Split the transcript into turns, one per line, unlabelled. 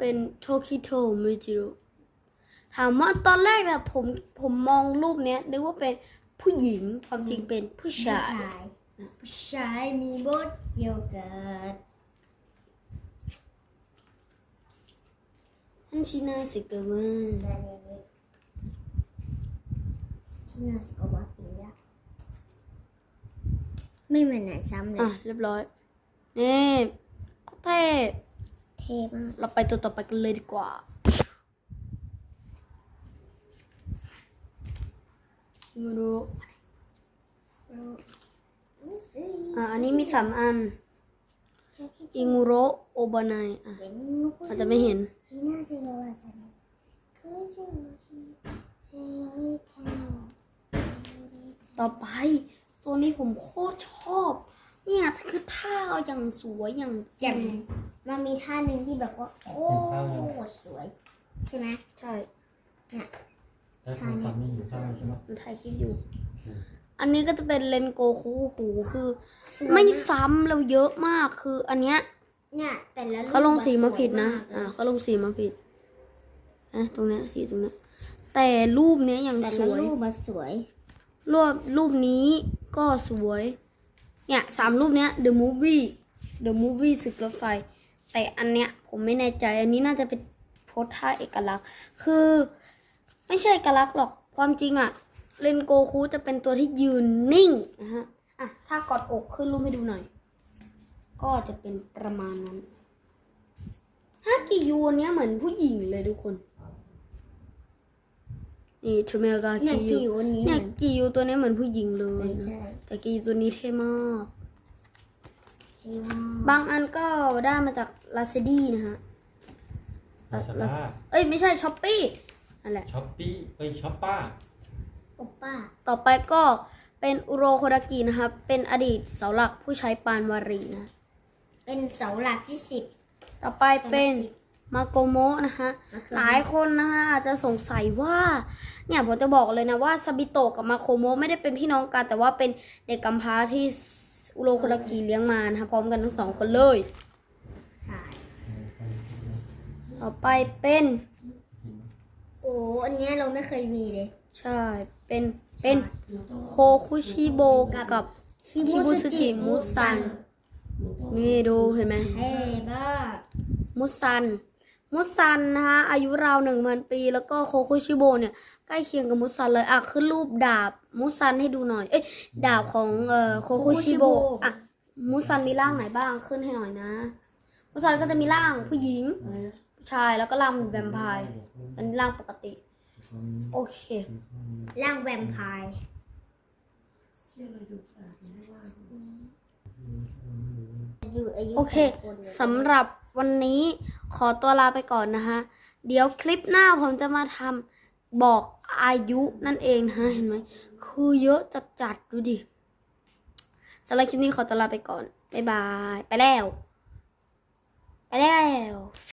เป็นโทคิโตะมิจิโร่ถามว่าตอนแรกนะผมมองรูปเนี้ยนึกว่าเป็นผู้หญิงความจริงเป็นผู้ชาย
ผู้ชายมีบทเกี่ยวกับ
ฮันชินาสึกะมะ
ที่น่าสกปรกดีอะไม่เหมือนไหนซ้ำเลย
เรียบร้อยนี่ก็เท่
มาก
เราไปตัวต่อไปกันเลยดีกว่าไม่รู้อันนี้มี3 อันอิงุโรโอบานายอาจจะไม่เห็นต่อไปตัวนี้ผมโคตรชอบเนี่ยคือท่าอย่างสวยอย่าง
แจ่มมันมีท่าหนึ่งที่แบบว่าโคตรสวยใช่ไหม
ใช่
เนี่ย
ท่านี้ไม่อยู่ข้างใช่ไหม
มันถ่ายคลิปอยู่อันนี้ก็จะเป็นเลนโกคูหูคือไม่ซ้ำเราเยอะมากคืออันเนี้ย
เนี่ยแต่ละ
เขาลงสีมาผิดนะเขาลงสีมาผิดตรงเนี้ยสีตรงเนี้ยแต่รูปเนี้ยอย่างสวย
รูปมาสวย
รูปนี้ก็สวยเนี่ย3 รูปเนี้ย The Movie ศึกรถไฟแต่อันเนี้ยผมไม่แน่ใจอันนี้น่าจะเป็นโพสท่าเอกลักษณ์คือไม่ใช่เอกลักษณ์หรอกความจริงอะเรนโกคุจะเป็นตัวที่ยืนนิ่งนะฮะถ้ากอดอกขึ้นรูปให้ดูหน่อยก็จะเป็นประมาณนั้นฮากิยูเนี้ยเหมือนผู้หญิงเลยทุกคนนี่ชูเมกากิยูเนี่ยกิยูตัวนี้เหมือนผู้หญิงเลยแต่กิยูตัวนี้เท่มากบางอันก็ได้มาจากลาซาดี้นะฮะไม่ใช่ช้อปปี้นั่นแหละ
ช้อปปี้ช้อปป้า
ต่อไปก็เป็นอุโรโคดากินะครับเป็นอดีตเสาหลักผู้ใช้ปานวารีนะ
เป็นเสาหลักที่10
ต่อไปเป็นมาโกโมะนะคะหลายคนนะคะอาจจะสงสัยว่าเนี่ยผมจะบอกเลยนะว่าซาบิโตะกับมาโกโมะไม่ได้เป็นพี่น้องกันแต่ว่าเป็นเด็กกำพร้าที่อุโรโคดากิเลี้ยงมานะคะพร้อมกันทั้ง2 คนเลย
ใช่
ต่อไปเป็น
อันนี้เราไม่เคยมีเลย
ใช่เป็นโคคุชิโบกับคิบุสึจิมุซันนี่ดูเห็นไหม
บ้า
มุซันนะคะอายุราว 1,000 ปีแล้วก็โคคุชิโบเนี่ยใกล้เคียงกับมุซันเลยขึ้นรูปดาบมุซันให้ดูหน่อยดาบของโคคุชิโบมุซันมีร่างไหนบ้างขึ้นให้หน่อยนะมุซันก็จะมีร่างผู้หญิงผู้ชายแล้วก็ร่างแวมไพร์อันนี้ร่างปกติโอเค
ร่างแวมไพร์
โอเคสำหรับวันนี้ขอตัวลาไปก่อนนะคะเดี๋ยวคลิปหน้าผมจะมาทำบอกอายุนั่นเองนะเห็นไหมคือเยอะจัดดูดิสำหรับคลิปนี้ขอตัวลาไปก่อนบ๊ายบายไปแล้ว